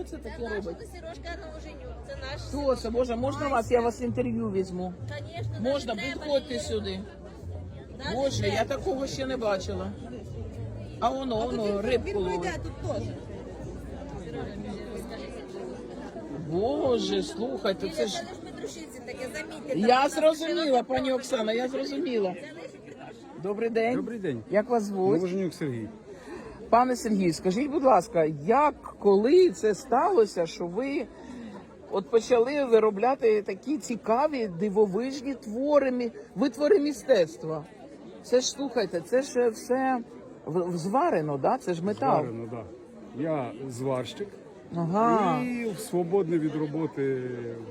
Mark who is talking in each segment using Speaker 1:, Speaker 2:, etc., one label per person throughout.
Speaker 1: це таке робить?
Speaker 2: Сережка Новоженюк, це наш.
Speaker 1: Хто це? Боже, можна вас? Я вас інтерв'ю візьму.
Speaker 2: Конечно,
Speaker 1: Можна, підходьте сюди. Боже, я такого ще не бачила. А воно, рибку ловить.
Speaker 3: тут теж.
Speaker 1: Боже, слухайте, це ж...
Speaker 2: Петрушиці таке, замітьте.
Speaker 1: Я зрозуміла, пані Оксана, я зрозуміла. Добрий день.
Speaker 4: Добрий день.
Speaker 1: Як вас звуть?
Speaker 4: Новоженюк Сергій.
Speaker 1: Пане Сергій, скажіть, будь ласка, як, коли це сталося, що ви от почали виробляти такі цікаві, дивовижні витвори містецтва? Це ж, слухайте, це ж все зварено, да? Це ж метал.
Speaker 4: Зварено, да. Я зварщик
Speaker 1: Ага.
Speaker 4: і свободне від роботи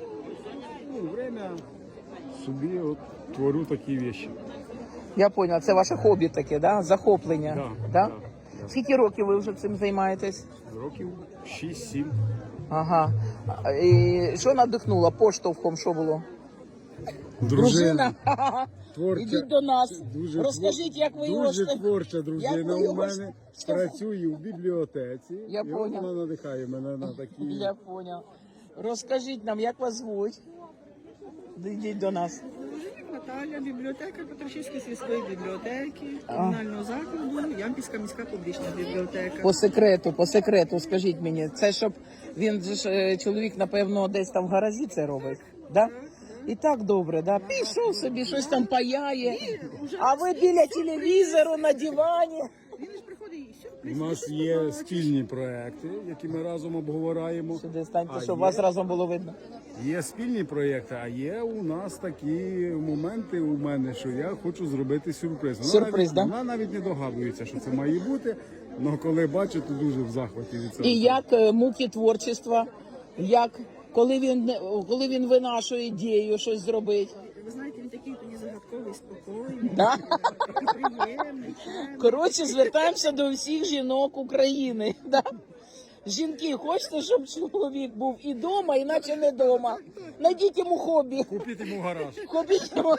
Speaker 4: время собі от творю такі речі.
Speaker 1: Я поняла, це ваше хобі таке, да? Захоплення.
Speaker 4: Да, да.
Speaker 1: Скільки років ви вже цим займаєтесь?
Speaker 4: Років 6-7.
Speaker 1: Ага. І що надихнуло? Поштовхом що було? Дружина.
Speaker 4: Творча.
Speaker 1: Ідіть до нас.
Speaker 4: Дуже
Speaker 1: Розкажіть, як ви його...
Speaker 4: Дуже творча дружина
Speaker 1: Як ви
Speaker 4: у
Speaker 1: його
Speaker 4: мене. Працює в бібліотеці.
Speaker 1: Я
Speaker 4: і
Speaker 1: поняв.
Speaker 4: вона надихає мене на такі.
Speaker 1: Я понял. Розкажіть нам, як вас звуть? Йдіть до нас.
Speaker 3: Наталя, бібліотека Петрушівської сільської бібліотеки, комунального закладу, Ямпільська міська публічна бібліотека.
Speaker 1: По секрету, скажіть мені, це щоб він же ж чоловік, напевно, десь там в гаражі це робить, да? І так добре, да? Пішов собі, щось там паяє, а ви біля телевізору на дивані.
Speaker 3: Він ж приходить і
Speaker 4: У
Speaker 3: сюрприз.
Speaker 4: нас є спільні проекти, які ми разом обговорюємо.
Speaker 1: Сюди станьте,
Speaker 4: А
Speaker 1: щоб
Speaker 4: є-
Speaker 1: вас разом було видно.
Speaker 4: Є спільні проєкти, а є у нас такі моменти у мене, що я хочу зробити сюрприз.
Speaker 1: Сюрприз, да?
Speaker 4: Вона навіть не догадується, що це має бути, але коли бачу, то дуже в захваті від цього.
Speaker 1: І як муки творчества, як, коли він винашує ідею щось зробити.
Speaker 3: Ви знаєте, він такий тоді загадковий, спокійний,
Speaker 1: Да?
Speaker 3: такий приємний, чемний.
Speaker 1: Коротше, звертаємося до всіх жінок України. Да? Жінки, хочете, щоб чоловік був і вдома, іначе не вдома. Найдіть йому хобі.
Speaker 4: Купіть йому гараж.
Speaker 1: Купіть йому.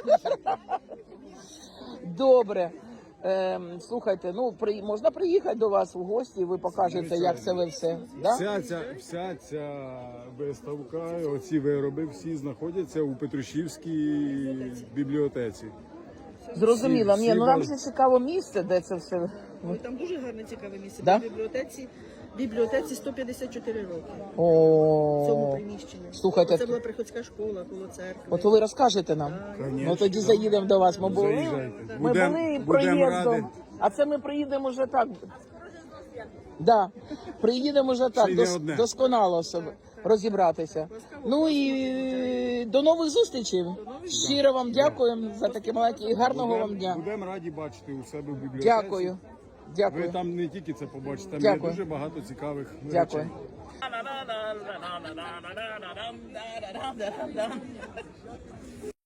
Speaker 1: Добре. Слухайте, ну можна приїхати до вас в гості, і ви покажете, як це ви все. Да?
Speaker 4: Вся ця виставка, оці вироби всі знаходяться у Петрушівській бібліотеці.
Speaker 1: Зрозуміло.
Speaker 4: всі
Speaker 1: Ні, ну нам
Speaker 4: бачать.
Speaker 1: же цікаво місце, де це все.
Speaker 3: Ой, там дуже гарне, цікаве місце.
Speaker 1: Да?
Speaker 3: В бібліотеці 154 роки. В цьому
Speaker 1: О,
Speaker 3: приміщенні.
Speaker 1: Слухайте,
Speaker 3: Це була приходська школа коло церкви.
Speaker 1: от ви розкажете нам.
Speaker 4: Конечно.
Speaker 1: Ну тоді заїдемо до вас. Ми були,
Speaker 4: Заїжджайте.
Speaker 1: ми
Speaker 4: Будем-
Speaker 1: були
Speaker 4: будем раді.
Speaker 1: проїздом, а це ми приїдемо вже так. Да, приїдемо вже так,
Speaker 4: Ще й не одне.
Speaker 1: досконало себе розібратися. Ну і до нових зустрічей. Щиро вам дякуємо за таке маленьке і гарного вам дня.
Speaker 4: Будемо раді бачити у себе в бібліотеці.
Speaker 1: Дякую.
Speaker 4: Ви
Speaker 1: Дякую.
Speaker 4: там не тільки це побачите, там
Speaker 1: Дякую.
Speaker 4: є дуже багато цікавих
Speaker 1: Дякую.
Speaker 4: речей.